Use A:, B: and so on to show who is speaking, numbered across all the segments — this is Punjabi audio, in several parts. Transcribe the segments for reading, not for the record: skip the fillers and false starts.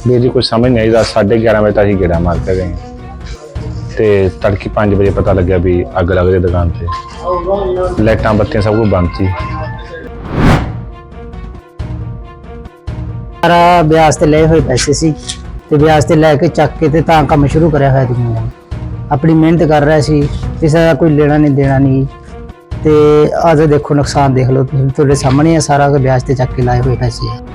A: ਵੀਰ ਜੀ ਕੁਝ ਸਮਝ ਨਹੀਂ ਆਈ। 11:30 ਵਜੇ ਤਾਂ ਅਸੀਂ ਗੇੜਾ ਮਾਰ ਕੇ ਗਏ ਤੇ ਤੜਕੇ 5 ਵਜੇ ਪਤਾ ਲੱਗਿਆ ਵੀ ਅੱਗ ਲੱਗ ਰਹੀ ਦੁਕਾਨ ਤੇ। ਲਾਈਟਾਂ ਬੱਤੀਆਂ ਸਭ ਕੁਝ ਬੰਦ ਸੀ।
B: ਸਾਰਾ ਵਿਆਜ ਤੇ ਲਏ ਹੋਏ ਪੈਸੇ ਸੀ ਤੇ ਵਿਆਜ ਤੇ ਲੈ ਕੇ ਚੱਕ ਕੇ ਤੇ ਤਾਂ ਕੰਮ ਸ਼ੁਰੂ ਕਰਿਆ ਹੋਇਆ ਦੁਨੀਆ ਨੇ। ਆਪਣੀ ਮਿਹਨਤ ਕਰ ਰਿਹਾ ਸੀ, ਕਿਸੇ ਦਾ ਕੋਈ ਲੈਣਾ ਨਹੀਂ ਦੇਣਾ ਨਹੀਂ। ਤੇ ਅੱਜ ਦੇਖੋ ਨੁਕਸਾਨ ਦੇਖ ਲਓ ਤੁਸੀਂ, ਤੁਹਾਡੇ ਸਾਹਮਣੇ ਆ ਸਾਰਾ ਵਿਆਜ ਤੇ ਚੱਕ ਕੇ ਲਾਏ ਹੋਏ ਪੈਸੇ ਆ।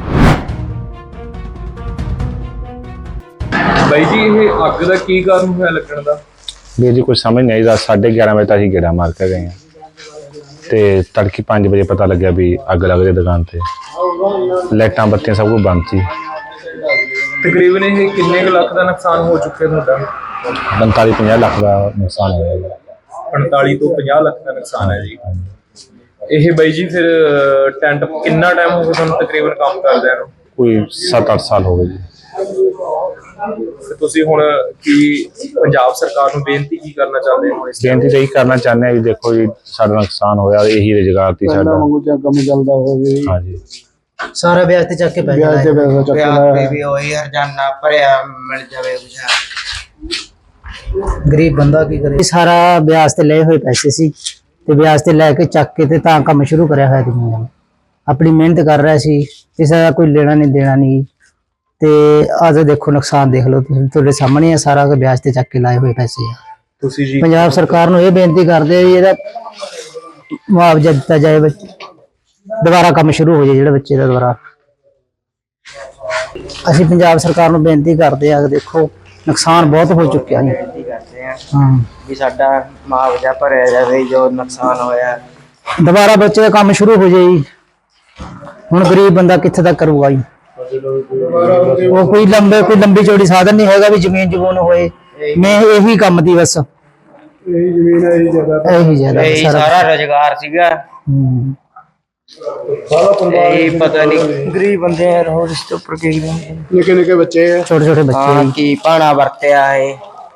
C: ਬਾਈ ਜੀ ਇਹ ਅੱਗ ਦਾ ਕੀ ਕਾਰਨ ਹੋਇਆ ਲੱਗਣ ਦਾ?
A: ਵੀਰ ਜੀ ਕੁਝ ਸਮਝ ਨਹੀਂ ਆਈ। 11:30 ਵਜੇ ਤਾਂ ਅਸੀਂ ਗੇੜਾ ਮਾਰ ਕੇ ਗਏ ਤੇ ਤੜਕੇ 5 ਵਜੇ ਪਤਾ ਲੱਗਿਆ ਵੀ ਅੱਗ ਲੱਗ ਰਹੀ ਦੁਕਾਨ ਤੇ। ਲਾਈਟਾਂ ਬੱਤੀਆਂ ਸਭ ਕੁਝ ਬੰਦ ਸੀ।
C: ਤਕਰੀਬਨ ਇਹ ਕਿੰਨੇ ਕੁ ਲੱਖ ਦਾ ਨੁਕਸਾਨ ਹੋ ਚੁੱਕਿਆ ਤੁਹਾਡਾ?
A: 45-50 ਲੱਖ ਦਾ ਨੁਕਸਾਨ ਹੋਇਆ।
C: 45 ਤੋਂ 50 ਲੱਖ ਦਾ ਨੁਕਸਾਨ ਹੈ ਜੀ। ਇਹ ਬਾਈ ਜੀ ਫਿਰ ਟੈਂਟ ਕਿੰਨਾ ਟਾਈਮ ਹੋ ਗਿਆ ਤੁਹਾਨੂੰ ਤਕਰੀਬਨ ਕੰਮ ਕਰਦਿਆਂ ਨੂੰ?
A: ਕੋਈ 7-8 ਸਾਲ ਹੋ ਗਏ ਜੀ।
C: ਤੇ ਤੁਸੀਂ ਹੁਣ ਕੀ ਪੰਜਾਬ ਸਰਕਾਰ ਨੂੰ ਬੇਨਤੀ ਕੀ ਕਰਨਾ ਚਾਹੁੰਦੇ ਹੋ?
A: ਬੇਨਤੀ ਤਾਂ ਇਹੀ ਕਰਨਾ ਚਾਹੁੰਦੇ ਹਾਂ ਵੀ ਦੇਖੋ ਜੀ ਸਾਡਾ ਨੁਕਸਾਨ ਹੋਇਆ, ਇਹੀ ਰੁਜ਼ਗਾਰ ਸੀ ਸਾਡਾ।
D: ਕੰਮ ਚੱਲਦਾ ਹੋਵੇ
A: ਹਾਂਜੀ
B: ਸਾਰਾ ਵਿਆਜ ਤੇ ਚੱਕ ਕੇ ਪੈ
D: ਵਿਆਜ ਤੇ ਪੈਸਾ ਚੱਕ ਲਿਆ।
E: ਵੀ ਹੋਈ ਹਰਜਾਨਾ ਭਰਿਆ ਮਿਲ ਜਾਵੇ ਕੁਛ।
B: ਗਰੀਬ ਬੰਦਾ ਕੀ ਕਰੇ। ਸਾਰਾ ਵਿਆਜ ਤੇ ਲਏ ਹੋਏ ਪੈਸੇ ਸੀ ਤੇ ਵਿਆਜ ਤੇ ਲੈ ਕੇ ਚੱਕ ਕੇ ਤੇ ਤਾਂ ਕੰਮ ਸ਼ੁਰੂ ਕਰਿਆ ਹੋਇਆ ਦੁਨੀਆ ਨੇ। ਆਪਣੀ ਮਿਹਨਤ ਕਰ ਰਿਹਾ ਸੀ, ਕਿਸੇ ਦਾ ਕੋਈ ਲੈਣਾ ਨਹੀਂ ਦੇਣਾ ਨਹੀਂ। ਤੇ ਅੱਜ ਦੇਖੋ ਨੁਕਸਾਨ ਦੇਖ ਲਓ ਤੁਸੀਂ, ਤੁਹਾਡੇ ਸਾਹਮਣੇ ਆ ਸਾਰਾ ਵਿਆਜ ਤੇ ਚੱਕ ਕੇ ਲਾਏ ਹੋਏ ਪੈਸੇ ਆ।
C: ਤੁਸੀਂ ਜੀ
B: ਪੰਜਾਬ ਸਰਕਾਰ ਨੂੰ ਇਹ ਬੇਨਤੀ ਕਰਦੇ ਆ ਵੀ ਇਹਦਾ ਮੁਆਵਜ਼ਾ ਦਿੱਤਾ ਜਾਏ, ਦੁਬਾਰਾ ਕੰਮ ਸ਼ੁਰੂ ਹੋ ਜਾਏ ਜਿਹੜਾ ਬੱਚੇ ਦਾ ਦੁਬਾਰਾ। ਅਸੀਂ ਪੰਜਾਬ ਸਰਕਾਰ ਨੂੰ ਬੇਨਤੀ ਕਰਦੇ ਆ ਕਿ ਦੇਖੋ ਨੁਕਸਾਨ ਬਹੁਤ ਹੋ ਚੁੱਕਿਆ ਹੈ।
E: ਬੇਨਤੀ ਕਰਦੇ ਆ ਵੀ ਸਾਡਾ ਮੁਆਵਜ਼ਾ ਭਰਿਆ ਜਾਵੇ ਜੋ ਨੁਕਸਾਨ ਹੋਇਆ।
B: ਦੁਬਾਰਾ ਬੱਚੇ ਦਾ ਕੰਮ ਸ਼ੁਰੂ ਹੋ ਜਾਏ। ਹੁਣ ਗਰੀਬ ਬੰਦਾ ਕਿੱਥੇ ਤੱਕ ਕਰੂਗਾ ਜੀ? ਉਹ ਕੋਈ ਲੰਬੀ ਚੌੜੀ ਸਾਧਨ ਨਹੀਂ ਹੈਗਾ ਵੀ ਜ਼ਮੀਨ ਜਮੂਨ ਹੋਏ। ਮੈਂ ਇਹੀ ਕੰਮ ਦੀ ਬਸ
D: ਇਹੀ ਜ਼ਮੀਨ ਹੈ, ਇਹੀ ਜ਼ਿਆਦਾ
E: ਇਹੀ ਸਾਰਾ ਰੁਜ਼ਗਾਰ ਸੀਗਾ।
D: ਸਾਰਾ ਪਰਿਵਾਰ
E: ਇਹ ਪਤਾ ਨਹੀਂ ਗਰੀਬ ਬੰਦੇ ਆ, ਹੋਰ ਇਸ ਤੋਂ ਉੱਪਰ ਕੀ
D: ਨਿੱਕੇ ਨਿੱਕੇ ਬੱਚੇ ਆ।
B: ਛੋਟੇ ਛੋਟੇ ਬੱਚੇ।
E: ਕੀ ਭਾਣਾ ਵਰਤਿਆ ਹੈ।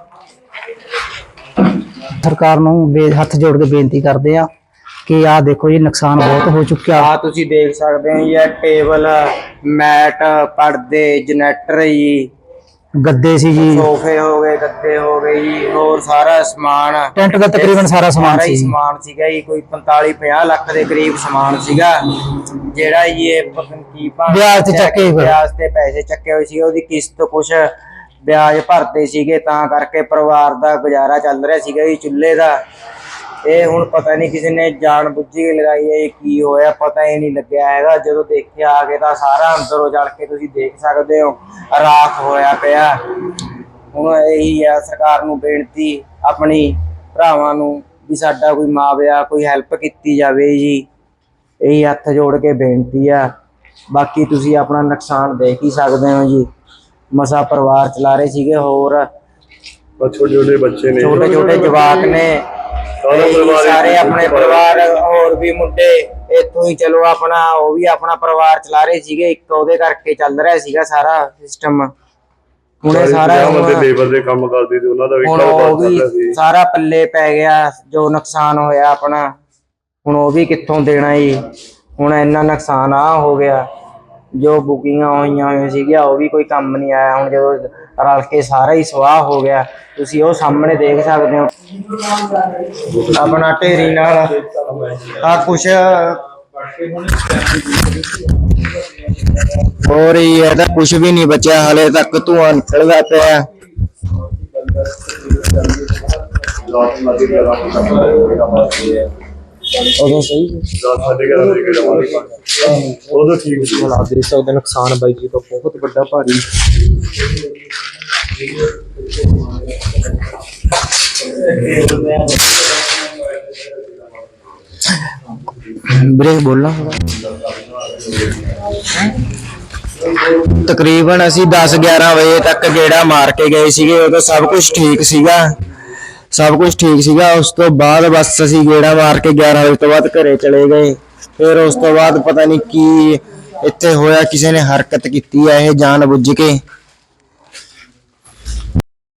B: ਸਰਕਾਰ ਨੂੰ ਹੱਥ ਜੋੜ ਕੇ ਬੇਨਤੀ ਕਰਦੇ ਆ ਕਿ ਆਹ ਦੇਖੋ ਜੀ ਨੁਕਸਾਨ ਬਹੁਤ ਹੋ ਚੁੱਕਿਆ।
E: ਆ ਤੁਸੀਂ ਦੇਖ ਸਕਦੇ ਹੋ ਇਹ ਟੇਬਲ, ਮੈਟ, ਪਰਦੇ, ਜਨਰੇਟਰ ਜੀ,
B: ਗੱਦੇ ਸੀ ਜੀ,
E: ਸੋਫੇ ਹੋ ਗਏ, ਗੱਦੇ ਹੋ ਗਏ ਜੀ, ਹੋਰ ਸਾਰਾ ਸਮਾਨ।
B: ਟੈਂਟ ਦਾ ਤਕਰੀਬਨ ਸਾਰਾ ਸਮਾਨ ਸੀ।
E: ਸਮਾਨ ਸੀਗਾ ਜੀ ਕੋਈ 45-50 ਲੱਖ ਦੇ ਕਰੀਬ ਸਮਾਨ ਸੀਗਾ, ਜਿਹੜਾ ਜੀ ਇਹ ਕੀ
B: ਵਿਆਜ ਤੇ ਚੱਕੇ ਹੋਏ।
E: ਵਿਆਜ ਤੇ ਪੈਸੇ ਚੱਕੇ ਹੋਏ ਸੀ। ਉਹਦੀ ਕਿਸ਼ਤ ਕੁਛ ਵਿਆਜ ਭਰਦੇ ਸੀਗੇ, ਤਾਂ ਕਰਕੇ ਪਰਿਵਾਰ ਦਾ ਗੁਜ਼ਾਰਾ ਚੱਲ ਰਿਹਾ ਸੀਗਾ ਜੀ ਚੁੱਲ੍ਹੇ ਦਾ। ਇਹ ਹੁਣ ਪਤਾ ਨਹੀਂ ਕਿਸੇ ਨੇ ਜਾਣ ਬੁੱਝੀ ਕੇ ਲਗਾਈ ਹੈ, ਇਹ ਕੀ ਹੋਇਆ ਪਤਾ ਹੀ ਨਹੀਂ ਲੱਗਿਆ ਹੈਗਾ। ਜਦੋਂ ਦੇਖਿਆ ਆ ਕੇ ਤਾਂ ਸਾਰਾ ਅੰਦਰੋਂ ਜਲ ਕੇ ਤੁਸੀਂ ਦੇਖ ਸਕਦੇ ਹੋ ਰਾਖ ਹੋਇਆ ਪਿਆ। ਹੁਣ ਇਹੀ ਆ ਸਰਕਾਰ ਨੂੰ ਬੇਨਤੀ, ਆਪਣੀ ਭਰਾਵਾਂ ਨੂੰ, ਵੀ ਸਾਡਾ ਕੋਈ ਮੁਆਵਜ਼ਾ, ਕੋਈ ਹੈਲਪ ਕੀਤੀ ਜਾਵੇ ਜੀ। ਇਹੀ ਹੱਥ ਜੋੜ ਕੇ ਬੇਨਤੀ ਆ। ਬਾਕੀ ਤੁਸੀਂ ਆਪਣਾ ਨੁਕਸਾਨ ਦੇਖ ਹੀ ਸਕਦੇ ਹੋ ਜੀ। ਮਸਾ ਪਰਿਵਾਰ ਚਲਾ ਰਹੇ ਸੀਗੇ, ਹੋਰ
D: ਛੋਟੇ ਛੋਟੇ ਬੱਚੇ ਨੇ,
E: ਛੋਟੇ ਛੋਟੇ ਜਵਾਕ ਨੇ, ਸਾਰੇ ਆਪਣੇ ਪਰਿਵਾਰ, ਹੋਰ ਵੀ ਮੁੰਡੇ ਇੱਥੋਂ ਹੀ ਚਲੋ ਆਪਣਾ ਉਹ ਵੀ ਆਪਣਾ ਪਰਿਵਾਰ ਚਲਾ ਰਹੇ ਸੀਗੇ। ਇੱਕ ਉਹਦੇ ਕਰਕੇ ਚੱਲ ਰਿਹਾ ਸੀਗਾ ਸਾਰਾ ਸਿਸਟਮ। ਹੁਣ ਸਾਰਾ
D: ਲੇਬਰ ਦੇ ਕੰਮ ਕਰਦੇ ਤੇ ਉਹਨਾਂ ਦਾ ਵੀ
E: ਉਹ ਵੀ ਸਾਰਾ ਪੱਲੇ ਪੈ ਗਿਆ ਜੋ ਨੁਕਸਾਨ ਹੋਇਆ ਆਪਣਾ। ਹੁਣ ਉਹ ਵੀ ਕਿੱਥੋਂ ਦੇਣਾ ਜੀ? ਹੁਣ ਇੰਨਾ ਨੁਕਸਾਨ ਆ ਹੋ ਗਿਆ। ਜੋ ਬੁਕਿੰਗਾਂ ਹੋਈਆਂ ਸੀਗੀਆਂ ਉਹ ਵੀ ਕੋਈ ਕੰਮ ਨਹੀਂ ਆਇਆ। ਹੁਣ ਜਦੋਂ ਰਲ ਕੇ ਸਾਰਾ ਹੀ ਸਵਾਹ ਹੋ ਗਿਆ, ਤੁਸੀਂ ਉਹ ਸਾਹਮਣੇ ਦੇਖ ਸਕਦੇ ਹੋ ਆਪਣਾ ਢੇਰੀ ਨਾਲ ਆ ਕੁਛ ਹੋਰ ਹੀ ਇਹਦਾ ਕੁਛ ਵੀ ਨਹੀਂ ਬਚਿਆ ਹਲੇ ਤੱਕ, ਧੂਆਂ ਨਿਕਲਦਾ ਪਿਆ। ਉਦੋਂ ਸਹੀ
D: ਉਦੋਂ ਠੀਕ ਸੀ।
C: ਹਾਲਾਤ ਦੇਖ ਸਕਦੇ ਨੁਕਸਾਨ ਬਾਈ ਜੀ ਤੋਂ ਬਹੁਤ ਵੱਡਾ ਭਾਰੀ।
E: ਬ੍ਰੇਕ ਬੋਲਣਾ ਤਕਰੀਬਨ ਅਸੀਂ 10-11 ਵਜੇ ਤੱਕ ਗੇੜਾ ਮਾਰ ਕੇ ਗਏ ਸੀਗੇ। ਉਦੋਂ ਸਭ ਕੁਝ ਠੀਕ ਸੀਗਾ। ਉਸ ਤੋਂ ਬਾਅਦ ਬਸ ਅਸੀਂ ਗੇੜਾ ਮਾਰ ਕੇ 11 ਵਜੇ ਤੋਂ ਬਾਅਦ ਘਰੇ ਚਲੇ ਗਏ। ਫਿਰ ਉਸ ਤੋਂ ਬਾਅਦ ਪਤਾ ਨਹੀਂ ਕੀ ਇੱਥੇ ਹੋਇਆ, ਕਿਸੇ ਨੇ ਹਰਕਤ ਕੀਤੀ ਹੈ ਇਹ ਜਾਣ ਬੁੱਝ ਕੇ।